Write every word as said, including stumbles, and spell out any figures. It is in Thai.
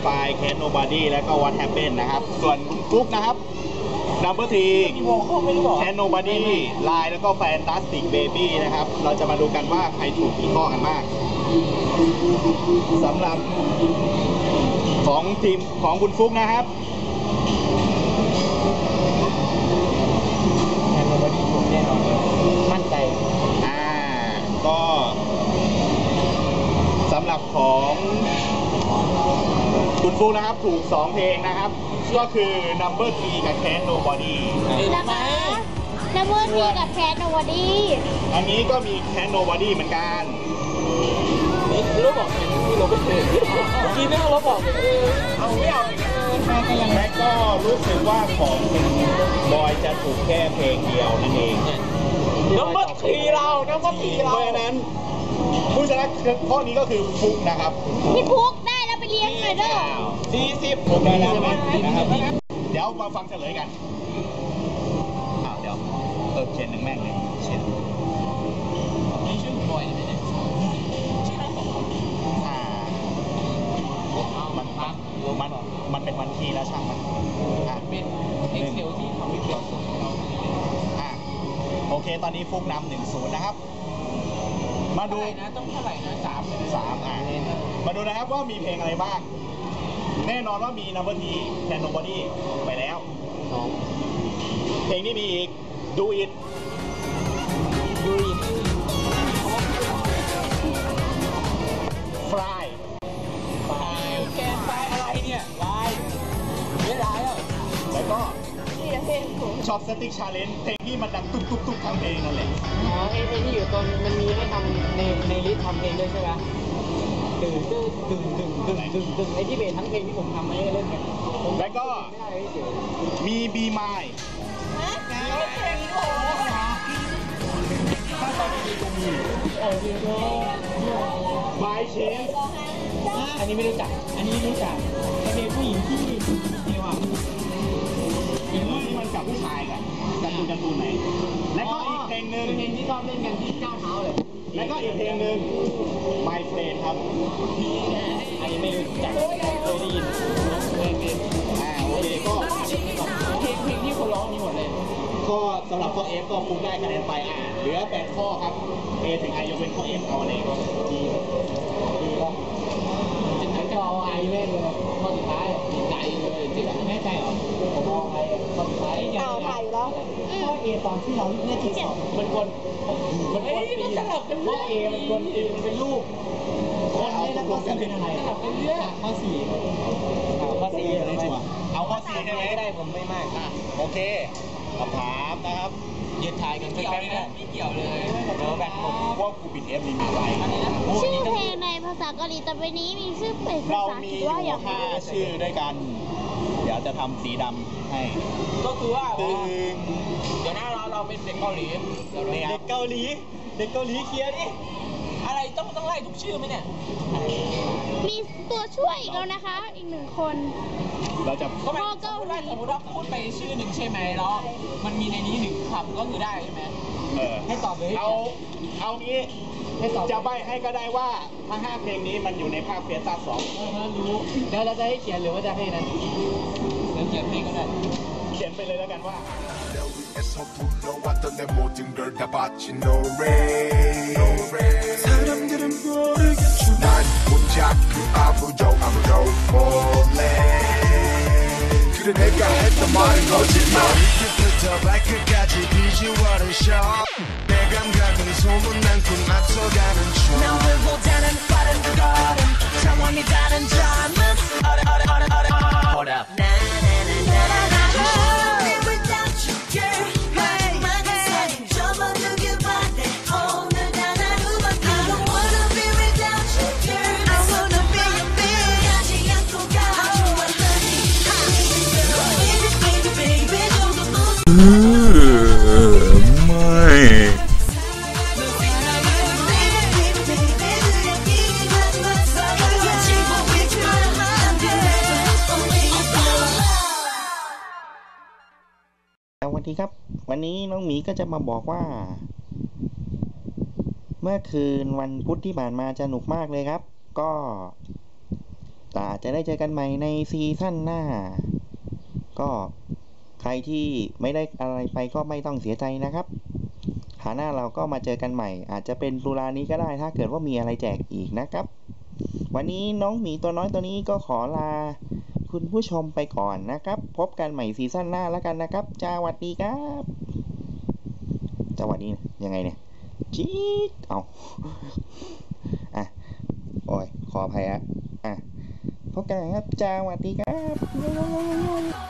Find Can't Nobody และก็ What Happened นะครับส่วนคุณฟุ๊กนะครับ Number three Can't Nobody Line แล้วก็ Fantastic Baby นะครับเราจะมาดูกันว่าใครถูกกี่ข้อกันมากสำหรับของทีมของคุณฟุ๊กนะครับแคนโนบอดี้ถูกแน่นอนเลยมั่นใจอ่าก็สำหรับของคุณฟุ๊กนะครับถูกสองเพลงนะครับก็คือ Number three กับ Can't Nobody นะคะ Number three กับ Can't Nobody อันนี้ก็มี Can't Nobody เหมือนกันลบบอกไงที่ลบไม่เคยกินไม่ต้องลบบอกเอาไม่เอาและก็รู้สึกว่าของคุณบอยจะถูกแค่เพลงเดียวนั่นเองน้ำมันทีเราน้ำมันทีเราเพราะฉะนั้นผู้ชนะข้อนี้ก็คือฟุกนะครับพี่ฟุกได้แล้วไปเลี้ยงหน่อยเด้อสี่สิบผมได้แล้วใช่ไหมนะครับเดี๋ยวมาฟังเฉลยกันอ้าวเดี๋ยวเออเขียนหนึ่งแม่งเลยเขียนนี่ชื่อบอยไหมเนี่ยชื่ออะไรของเขาอ่ามันมันมันเป็นวันที่แล้วช่างมันอ่าเป็นเอ็กเซลที่ทำให้เกิดสุดอ่าโอเคตอนนี้ฟุกนำหนึ่งศูนย์นะครับมาดูนะต้องเท่าไหร่นะสามสามอ่ามาดูนะครับว่ามีเพลงอะไรบ้างแน่นอนว่ามี Number three Can't Nobody ไปแล้วเพลงนี้มีอีก Do It Do It Fly Fly แกนไฟอะไรเนี่ยลายไม่ลายอ่ะแล้วก็ชอบ Static Challenge เพลงที่มันดังตุ๊บตุ๊บตุ๊บทั้งเพลงนั่นแหละอ๋อไอ้เพลงที่อยู่ตอนมันมีให้ทำในในลิสต์ทำเพลงด้วยใช่ไหมดึงดึงดึงดึงดึงดึงดึงไอ้ที่เบสทั้งเพลงที่ผมทำมาให้เล่นกันแล้วก็มี Be Mine ถ้าตอนนี้จะมีโอ้ยโอ้ My Chance อันนี้ไม่รู้จักอันนี้ไม่รู้จักเพลงผู้หญิงที่นี่ว่าเป็นเรื่องที่มันกับผู้ชายกันการ์ตูนการ์ตูนไหนและก็อีกเพลงหนึ่งเพลงที่ชอบเล่นกันที่เจ้าเท้าเลยและก็อีกเพลงหนึ่ง My Friend ครับอันนี้ไม่รู้จักเคยได้ยินเพลงเพลงอ่าโอเคก็เพลงเพลงที่คนร้องมีหมดเลยก็สำหรับข้อ F ก็ฟุกได้คะแนนไปอ่าเหลือแปดข้อครับ A ถึง I ยกเว้นข้อ F เอาอะไรก็ดีดีป่ะจิตใจก็เอา I เล่นเลยข้อสุดท้ายจิตใจเลยจิตใจแน่ใจเหรอผมเอา I ข้อสุดท้ายเอาถ่ายแล้วข้อ A ตอนที่เราเล่นที่สองมันคนมันคนปีนข้อ A มันคนปีนมันเป็นรูปคนนี้แล้วก็เป็นอะไรเป็นเรื่องข้อสี่ข้อสี่อะไรชัวเอาข้อสี่ได้ไหมได้ผมไม่มากอ่ะโอเคคำถามนะครับยืดทายกันไม่เกี่ยวเลยไม่เกี่ยวเลยเดี๋ยวแบบผมว่ากูปิดเอฟนี่มีอะไรชื่อเพลงในภาษาเกาหลีต่อไปนี้มีชื่อเป็นภาษาอังกฤษว่าอย่างไรเรามีอยู่ห้าชื่อด้วยกันเดี๋ยวจะทำสีดำให้ก็คือว่าตึงเดี๋ยวหน้าเราเราเป็นเด็กเกาหลีเด็กเกาหลีเด็กเกาหลีเคลียร์ดิอะไรต้องต้องไล่ทุกชื่อไหมเนี่ยมีตัวช่วยอีกแล้วนะคะอีกหนึ่งคนเราจะก็ไม่สมมติว่าสมมติว่าพูดไปชื่อหนึ่งใช่ไหมแล้วมันมีในนี้หนึ่งคำก็คือได้ใช่ไหมเออให้ตอบเลยเอาเอางี้จะใบให้ก็ได้ว่าทั้งห้าเพลงนี้มันอยู่ในภาคเฟียสต้าสองรู้แล้วเราจะให้เขียนหรือว่าจะให้นั้นเขียนเพลงก็ได้เขียนไปเลยแล้วกันว่าสวัสดีครับวันนี้น้องหมีก็จะมาบอกว่าเมื่อคืนวันพุธที่ผ่านมาสนุกมากเลยครับก็แต่จจะได้เจอกันใหม่ในซีซั่นหน้าก็ใครที่ไม่ได้อะไรไปก็ไม่ต้องเสียใจนะครับหาหน้าเราก็มาเจอกันใหม่อาจจะเป็นตุลานี้ก็ได้ถ้าเกิดว่ามีอะไรแจกอีกนะครับวันนี้น้องหมีตัวน้อยตัวนี้ก็ขอลาคุณผู้ชมไปก่อนนะครับพบกันใหม่ซีซั่นหน้าแล้วกันนะครับสวัสดีครับสวัสดียังไงเนี่ยจี๊ดเอาอ่ะโอ้ยขออภัยอ่ะอ่ะพบกันครับสวัสดีครับ